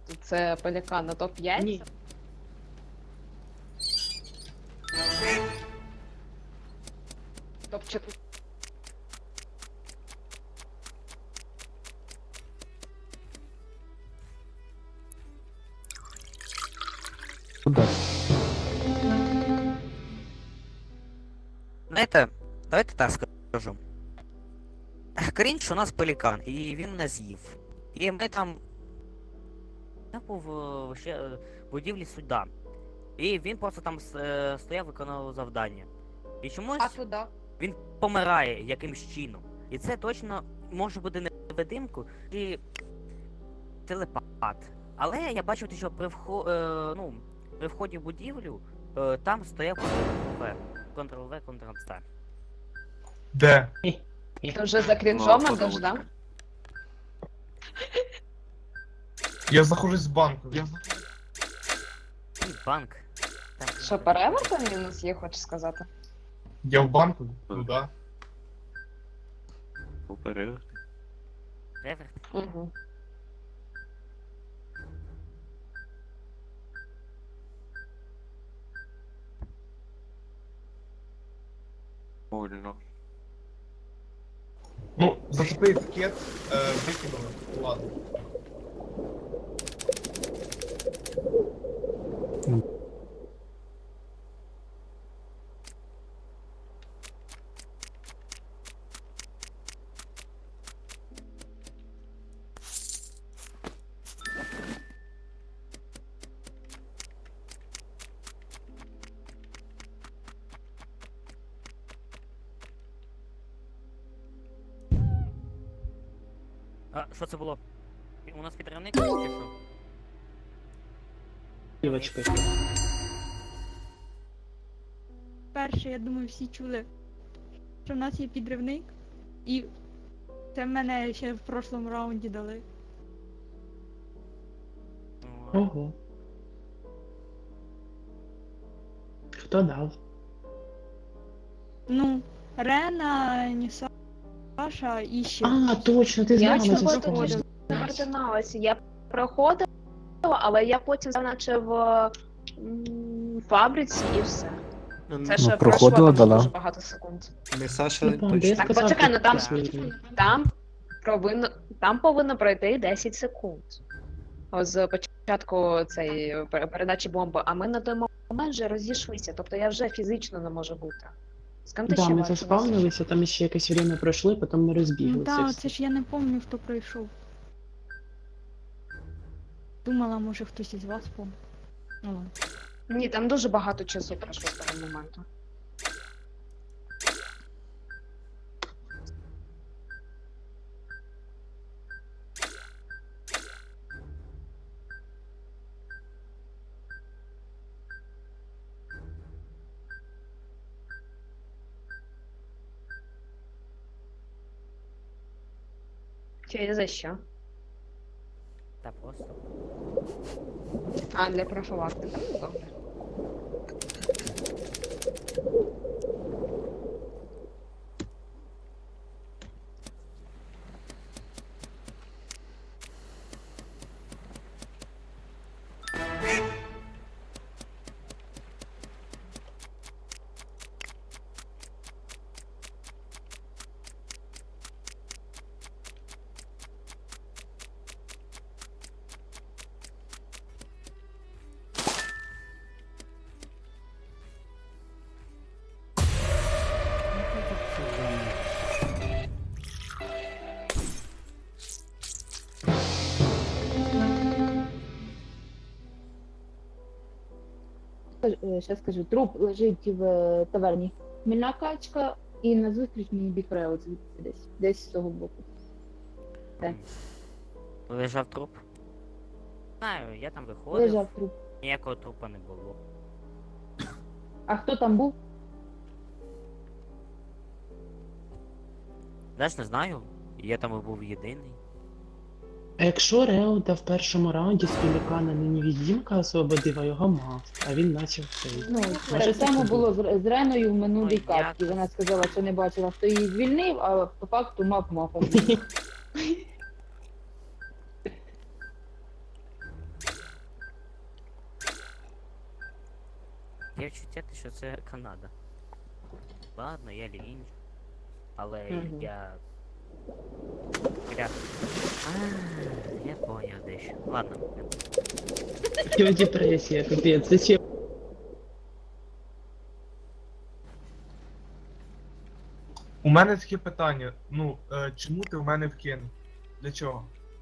це пелікан на топ-5? Ні. Топ-4? Знаєте, давайте так скажу. Крінж у нас пелікан, і він нас з'їв. І ми там... Я був ще в будівлі суда. І він просто там стояв, виконував завдання. І А чомусь туди? він помирає якимсь чином. І це точно може бути не невидимку чи телепат. Але я бачив, що при вході в будівлю там стояв Ctrl-V. Ctrl-V, Ctrl-C. Де? Ти вже за крінжом ідеш, да? Я знаходжусь в банку. І банк. Там, Що, перевертон мінус є, хочеш сказати? Я в банку? Ну да. Реверт. Угу. Ну, зацепи етикет, викинули. Ладно. А, що це було? У нас підривник чи що? Дівочка. Перше, я думаю, всі чули, що в нас є підривник, і це мене ще в прошлому раунді дали. Ого. Хто дав? Ну, Рена, Ніса, Саша і ще. А, точно, ти Я знала, чого це проходила? точно. Координалася. Я проходила, але я потім наче в фабриці і все. Це ще проходила, пройшло там да. дуже багато секунд. Не Саша Не пам'ятаю, я Так, сказав, почекай, ну там, посміхнений. там повинно пройти 10 секунд. З початку цієї передачі бомби, а ми на той момент вже розійшлися, тобто я вже фізично не можу бути. З ким ти Да, ще ми бачилась? заспавнилися, там ще якесь время пройшли, потім ми Ну розбіглися. так, всі. це ж я не пам'ятаю, хто пройшов. Думала, може хтось із вас помнив. Ну ладно. Ні, там дуже багато часу пройшло з того моменту. Чи за що? Та просто. А, для профілактики. Ну, добре. Ще скажу, труп лежить в таверні. Хмільна качка і назустріч мені бікрео звідси десь з того боку. Лежав труп. Знаю, я там виходив. Лежав труп. Ніякого трупа не було. А хто там був? Знаєш, не знаю. Я там був єдиний. А якщо Реуда в першому раунді з пелікана не невідімка освободив, а його мав, а він почав цей. Ну, Може, так само це було з Реною в минулій Ну, як? катці. Вона сказала, що не бачила, хто її звільнив, а по факту мав. Таке відчуття, що це Канада. Ладно, я лінь. Але Мгм. я... Я поняв дещо. Ладно. Його депресія, капець, зачем? У мене таке питання. Ну, чому ти в мене вкинув? Для чого?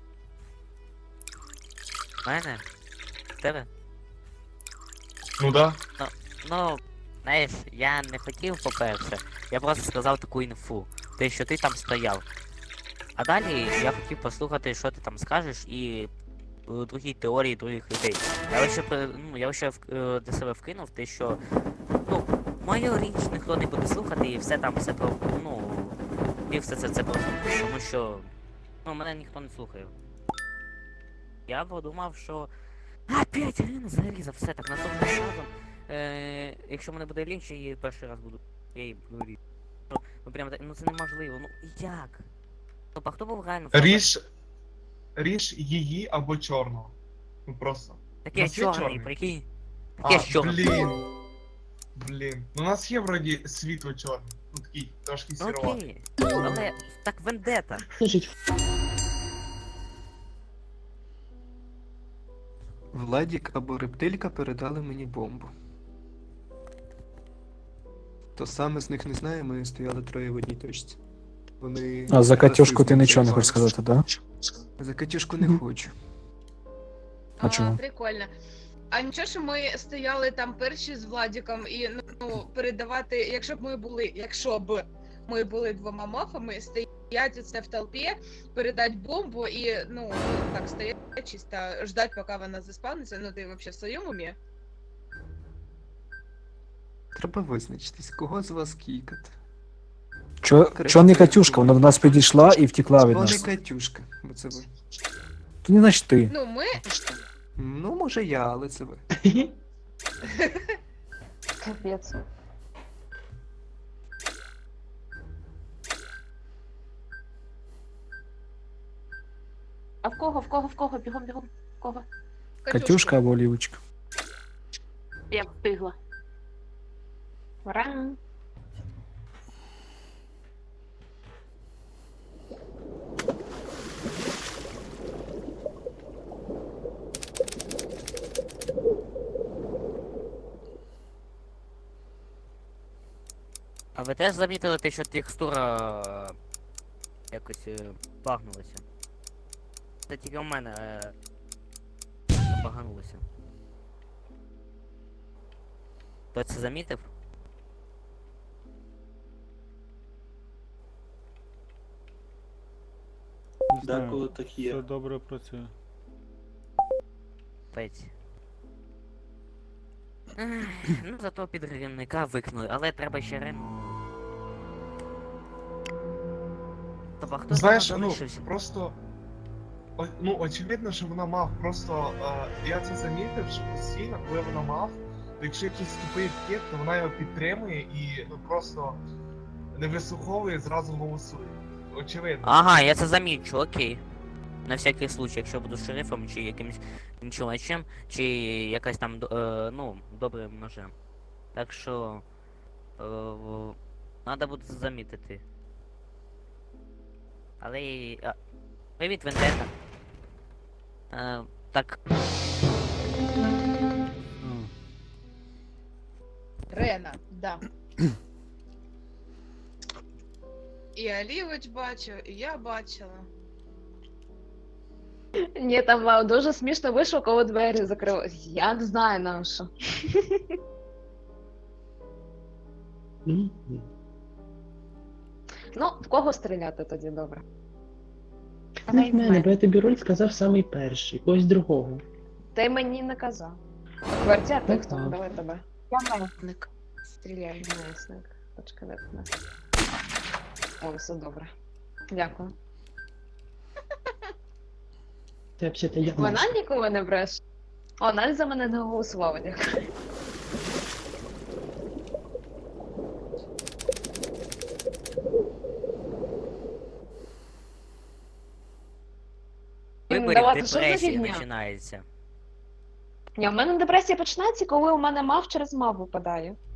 Мене? Тебе? Ну да. Ну, знаєш, я не хотів, по-перше. Я просто сказав таку інфу. Те, що ти там стояв. А далі я хотів послухати, що ти там скажеш, і другі теорії других людей. Я лише для себе вкинув те, що мою річ ніхто не буде слухати, і все там все про. І все це просто. Тому що мене ніхто не слухає. Я подумав, що. Опять Ірина зарізав, все так, наступним разом. Якщо мене буде лінч, я її перший раз буду. Я її буду різати. Прямо так, це неможливо. Як? А хто був реально Ріж її або чорного. Ну просто. Таке нас є чорний, чорний? прикинь. А, Таке чорний. Блін. Ну у нас є вроді світло чорний. Ну такий трошки сіроватий. Окей. Але так вендета. Скажіть, Владік або рептилька передали мені бомбу. Хто саме з них не знає, ми стояли троє в одній точці. Вони. А за Катюшку ти расизмом нічого не займалися. хочеш сказати, да? За Катюшку не хочу. А чому? Прикольно. А нічого, що ми стояли там перші з Владіком і передавати, якщо б ми були двома мафами, стоять оце в толпі, передати бомбу і, так стоять чисто, ждать, поки вона заспавниться, ти взагалі в своєму умі? Треба визначитись, кого з вас кікати. Чо не Катюшка? Вона до нас підійшла і втекла від Хто не нас. Катюшка, бо це ви. То не значить ти. Ми... Ну, може я, але це ви. Капець. А в кого? Бігом, в кого? Катюшка або Олівочка. Я встигла. Ура! А ви теж замітили те, що текстура якось багнулася? Це тільки у мене баганулося. Хто це замітив? Деколи так є. Все добре працює. Пець. Ну зато підривника викинули, але треба ще Тобто хто Знаєш, там залишився? просто. Очевидно, що вона мав. Просто я це замітив, що постійно, коли вона мав, то якщо якийсь тупий вхід, то вона його підтримує і просто не вислуховує, зразу голосує. Очевидно. Ага, я це замічу, окей. На всякий случай, якщо буду шерифом, чи якимось чувачем, чи якась там, добрим ножем. Так що... Надо буде це замітити. Але... Привіт, Вендета. Так... Рена, да. І Олівоч бачив, і я бачила. Ні, там дуже смішно вийшло, коли двері закрили. Я не знаю на що. Ну, в кого стріляти тоді добре? не в мене, бо я тобі роль сказав самий перший, когось другого. Ти мені не казав. Квартя, ти Ну, хто? так. Давай тебе. Я месник. Стріляй, месник. Почекай, де ти нас. О, все добре. Дякую. Це взагалі я. Вона ніколи не бреше. О, навіть за мене не голосувала, дякую. Виборів Давайте, що за депресія фігня? починається. Ні, у мене депресія починається, коли у мене мав через мав випадає.